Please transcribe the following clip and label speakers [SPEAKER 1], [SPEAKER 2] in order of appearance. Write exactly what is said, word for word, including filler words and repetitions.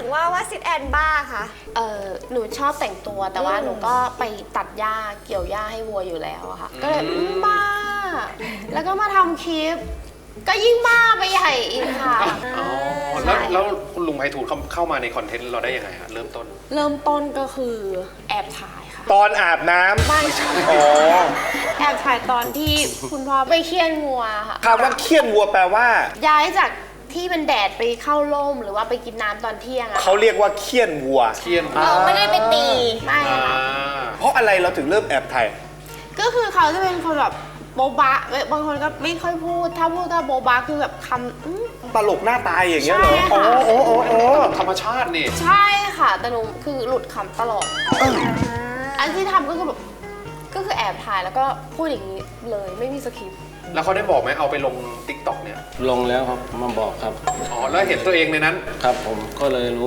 [SPEAKER 1] ว่าว่าซิดแอนบ้าคะ
[SPEAKER 2] เออหนูชอบแต่งตัวแต่ว่าหนูก็ไปตัดหญ้าเกี่ยวหญ้าให้วัวอยู่แล้วอะค่ะก็เลยบ้าแล้วก็มาทำคลิปก็ยิ่งบ้าไปใหญ่อีกค่ะ
[SPEAKER 3] อ๋อแล้วแล้วคุณลุงไพฑูรย์เข้าเข้ามาในคอนเทนต์เราได้ยังไงฮะเริ่มต้น
[SPEAKER 2] เริ่มต้นก็คือแอบถ่ายค่ะ
[SPEAKER 4] ตอนอาบน้ำ
[SPEAKER 2] ไม่ใช่
[SPEAKER 4] อ๋อ
[SPEAKER 2] แอบถ่ายตอนที่คุณพ่อไปเคี่ยนงัวค่ะ
[SPEAKER 4] คำว่าเคี่ยนวัวแปลว่า
[SPEAKER 2] ย้ายจากที่เป็นแดดไปเข้าร่มหรือว่าไปกินน้ำตอนเที่ยงอะ
[SPEAKER 4] เขาเรียกว่าเคี่ยนวัว
[SPEAKER 3] เคี่ยน
[SPEAKER 2] เราไม่ได้ไปตีไม่
[SPEAKER 3] อ่า
[SPEAKER 2] ค่ะ
[SPEAKER 4] เพราะอะไรเราถึงเริ่มแอบถ่าย
[SPEAKER 2] ก็คือเขาจะเป็นคนแบบโบบะบางคนก็ไม่ค่อยพูดถ้าพูดก็โบบะคือแบบคำอื้อ
[SPEAKER 4] ตลกหน้าตายอย่างเงี้ยเหรอ
[SPEAKER 2] ใช่ค่ะ
[SPEAKER 4] อ๋ออ๋ออ๋ออ๋อ
[SPEAKER 3] ธรรมชาตินี่
[SPEAKER 2] ใช่ค่ะแต่หนูคือหลุดคำตลอดอันที่ทำก็คือแบบก็คือแอบถ่ายแล้วก็พูดอย่างนี้เลยไม่มีสคริปต์
[SPEAKER 3] แล้วเขาได้บอกไหมเอาไปลง ติ๊กต็อก เนี่ย
[SPEAKER 5] ลงแล้วครับมาบอกครับ
[SPEAKER 3] อ๋อแล้วเห็นตัวเองในนั้น
[SPEAKER 5] ครับผมก็เลยรู้